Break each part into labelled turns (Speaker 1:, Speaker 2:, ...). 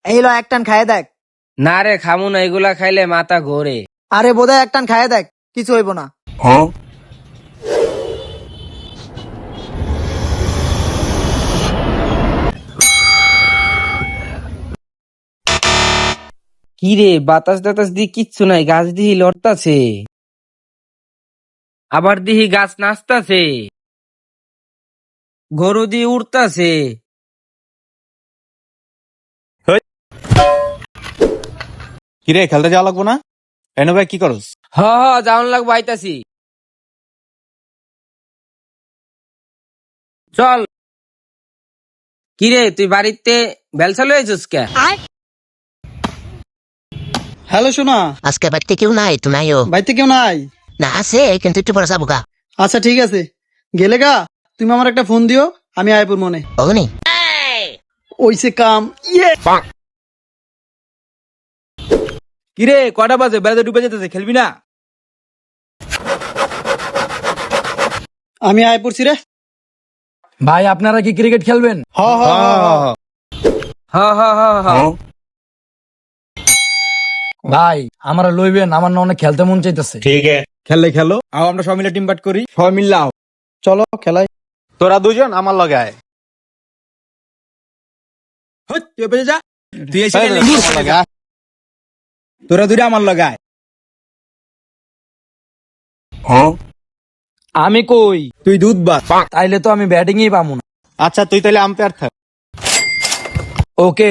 Speaker 1: এই ল এক টান খাইয়ে দেখ।
Speaker 2: না রে খামু না, এগুলা খাইলে মাথা ঘোরে।
Speaker 1: আরে বোধহয় এক টান খাইয়ে দেখ, কিছু হইব না।
Speaker 2: কি রে, বাতাস টাতাস দি কিচ্ছু নাই, গাছ দিহি লড়তাছে, আবার দিহি গাছ নাচতাছে, গরু দিয়ে উড়তাছে।
Speaker 3: কিরে খেলতে যাওয়া লাগবো না? এনে ভাই কি করস?
Speaker 2: হ হ যাওন লাগবো, আইতাছি। চল। কিরে তুই বাড়িতে বেলসা লয়েছিস কে?
Speaker 1: হ্যালো শোনা,
Speaker 4: আজকে বাড়িতে কেউ নাই, তো নাইও
Speaker 1: বাড়িতে কেউ নাই?
Speaker 4: না, আছে কিন্তু একটু পরে যাবো গা।
Speaker 1: আচ্ছা ঠিক আছে, গেলে গা তুমি আমার একটা ফোন দিও, আমি আইপুর মনে।
Speaker 4: অগ্নি
Speaker 1: ওইসে কাম। ইয়ে
Speaker 3: কিরে কটা বাজে? বেড়াতে ডুবে যেতেছে, খেলবি না?
Speaker 1: আমি আয় পড়ছি রে।
Speaker 5: ভাই আপনারা কি ক্রিকেট খেলবেন?
Speaker 1: হ হ হ, হ।
Speaker 2: হ হ হ হ।
Speaker 5: ভাই আমরা লইবেন, আমার না অনেক খেলতে মন চাইতেছে।
Speaker 3: খেললে খেলো, আও আমরা সবাই মিলে টিম বাট করি, সবাই মিললে আও।
Speaker 1: চলো খেলাই।
Speaker 3: তোরা দুজন আমার লগে আয়। হট, তুই বেঁচে যা। তুই এসে খেললি, আমার লগে আয়। তোরা দুইটা আমার লগে আয়।
Speaker 5: আমি কই?
Speaker 3: তুই দুধ বাদ।
Speaker 5: তাইলে তো আমি ব্যাটিংই পাবো না।
Speaker 3: আচ্ছা তুই তাহলে আম্পায়ার থাক।
Speaker 5: ওকে।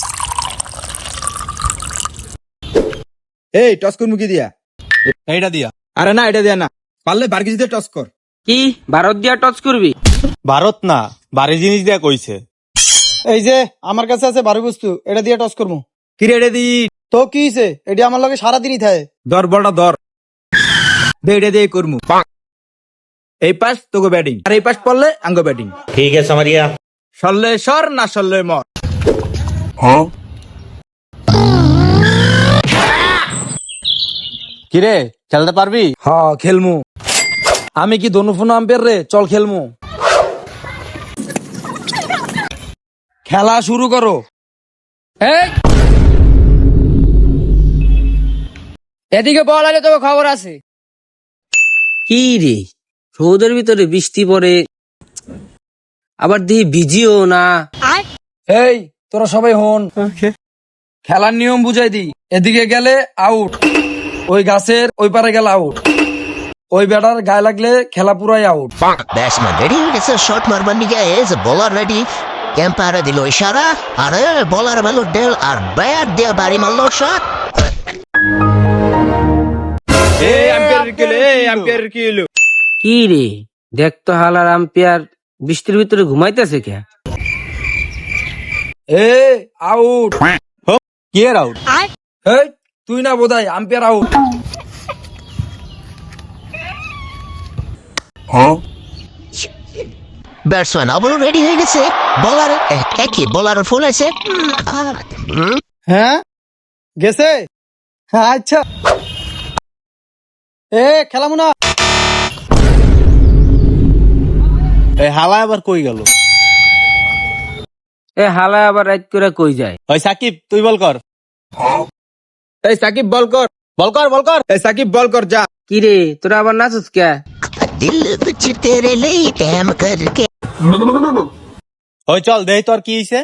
Speaker 3: এই টস কর মুখি দিয়া। এইটা দিয়া। আরে না, এটা দিয়া না, পারলে বার্গিজ দিয়ে টস কর।
Speaker 2: কি ভারত দিয়া টচ করবি?
Speaker 3: ভারত না, বাড়ি জিনিস দিয়া কইছে।
Speaker 1: এই যে আমার কাছে আছে বারো বস্তু, এটা দিয়ে টস করবো।
Speaker 3: কিরে এটা দি।
Speaker 1: তো কি হইছে, এটি আমার লগে সারাদিনই থাকে।
Speaker 3: ধর বড়টা ধর। দে এটা দিয়ে করমু। এই পাশ তোকে ব্যাটিং, আর এই পাশ পড়লে আঙ্গ ব্যাটিং।
Speaker 6: ठीक है समरिया।
Speaker 3: সরলে সর, না সরলে মর। কিরে খেলতে পারবি?
Speaker 5: হ খেলমু। আমি কি ধনুফোন আম্পায়ার রে? চল খেলমু। খেলা শুরু করো।
Speaker 2: এই, এদিকে বল আলে, তোকে খবর আছে। কি রে, রোদের ভিতরে বৃষ্টি পড়ে, আবার দিহি ভিজিও না।
Speaker 5: এই তোরা সবাই হন, খেলার নিয়ম বুঝাই দি। এদিকে গেলে আউট, ওই গাছের ওই পারে গেলে আউট, ওই ব্যাটার গায়ে লাগলে খেলা পুরাই আউট।
Speaker 4: ব্যাটসম্যান রেডি হয়ে গেছে শট মারবার নিকে, এজ বোলার রেডি। এম্পায়ারে দিল ইশারা, আর বোলার মারলো ডেল, আর ব্যাট দিয়ে বাড়ি মারলো শট।
Speaker 3: এই আম্পায়ার কিলো, এই আম্পায়ার কিলো।
Speaker 2: কি রে, দেখ তো হালার আম্পায়ার বৃষ্টির ভিতরে ঘুমাইতেছে কে?
Speaker 5: এ আউট।
Speaker 3: কি এর আউট?
Speaker 5: এই তুই না বোধাই, আম্পায়ার আউট।
Speaker 4: ব্যাটসম্যান আবারও রেডি হয়ে গেছে। বোলার একই বোলার ফুল আছে।
Speaker 1: হ্যাঁ গেছে, হ্যাঁ আচ্ছা। এ খেলামু না।
Speaker 3: এই হালা আবার কই গেল?
Speaker 2: এ হালা আবার রাইট করে কই যায়?
Speaker 3: ওই সাকিব তুই বল কর। এই সাকিব বল কর, বল কর, বল কর। এই সাকিব বল কর, যা।
Speaker 2: কি রে, তোরা আবার নাচস কে?
Speaker 4: দিল কুছ তেরে লিয়ে কাম করকে।
Speaker 3: ওই চল দেই তোর কি হইছে।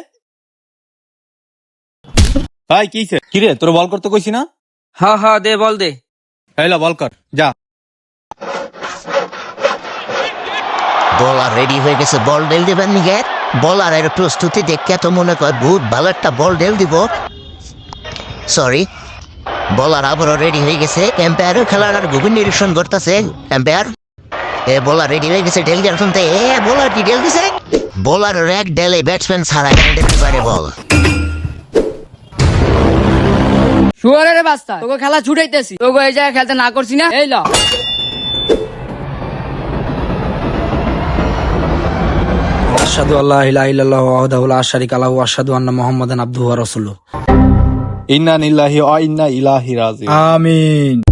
Speaker 3: ভাই কি হইছে? কি রে তোর বল করতে কইছি না?
Speaker 2: হ হ দে, বল দে।
Speaker 3: হইলো বল কর, যা।
Speaker 4: বোলার রেডি হয়ে গেছে বল ডেল দিবেন নিকে। বোলারের প্রস্তুতি দেখে তো মনে কর বহুত ভালো একটা বল ডেল দিব। সরি, বোলার আবারও রেডি হয়ে গেছে। এম্পায়ারও খেলার গভীর নিরীক্ষণ করতেছে। এম্পায়ার এ বোলার রেডি হয়ে গেছে ডেল দেওয়ার শুনতে। এ বোলার কি ডেল দিছে? বোলারের এক ডেলে ব্যাটসম্যান ছাড়া দিতে পারে বল।
Speaker 7: শুয়ারের বাস্তা, তোকে খেলা ছুটাইতেছি, তোকে এই জায়গায় খেলতে না করছি না। এই ল
Speaker 5: আশহাদু আল্লা ইলাহা ইল্লাল্লাহু ওয়াহদাহু লা শারীকা লাহু ওয়া আশহাদু আন্না মুহাম্মাদান আবদুহু ওয়া রাসূলুহু।
Speaker 3: ইন্না লিল্লাহি ওয়া ইন্না ইলাইহি রাজিউন। আমিন।